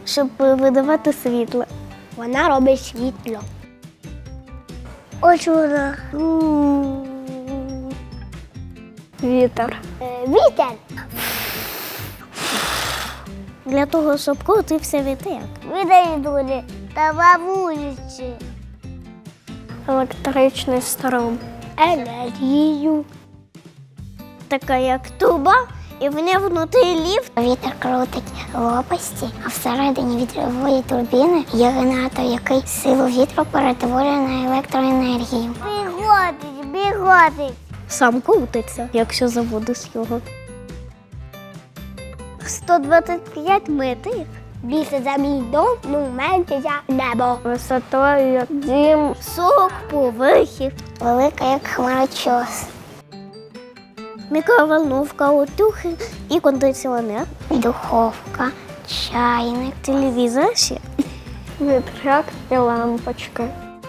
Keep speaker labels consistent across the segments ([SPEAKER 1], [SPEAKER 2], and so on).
[SPEAKER 1] щоб видавати світло.
[SPEAKER 2] Вона робить світло. Ось вона.
[SPEAKER 1] Вітер.
[SPEAKER 2] Вітер.
[SPEAKER 1] Для того, щоб крутився вітер.
[SPEAKER 2] Видали та вулиці.
[SPEAKER 1] Електричний струм.
[SPEAKER 2] Енергію.
[SPEAKER 1] Така як труба, і в ній внутрі ліфт.
[SPEAKER 2] Вітер крутить лопасті, а всередині вітрової турбіни є генератор, який силу вітру перетворює на електроенергію. Біготить.
[SPEAKER 1] Сам крутиться, якщо заводиш його. 125 метрів.
[SPEAKER 2] Більше за мій дом, менше за небо.
[SPEAKER 1] Висотою як дім. 40 поверхів.
[SPEAKER 2] Велика, як хмарочос.
[SPEAKER 1] Мікроволновка, утюги і кондиціонер.
[SPEAKER 2] Духовка, чайник.
[SPEAKER 1] Телевізор ще. Вітряк і лампочки.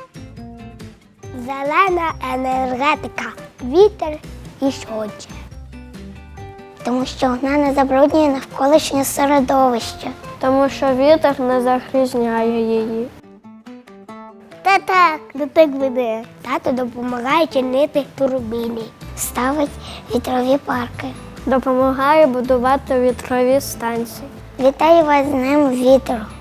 [SPEAKER 2] Зелена енергетика. Вітер і сонце. Тому що вона не забруднює навколишнє середовище.
[SPEAKER 1] Тому що вітер не загрізняє її.
[SPEAKER 2] Та так, до так веде. Тато допомагає чинити турбіни. Ставить вітрові парки.
[SPEAKER 1] Допомагає будувати вітрові станції.
[SPEAKER 2] Вітаю вас з Днем вітру.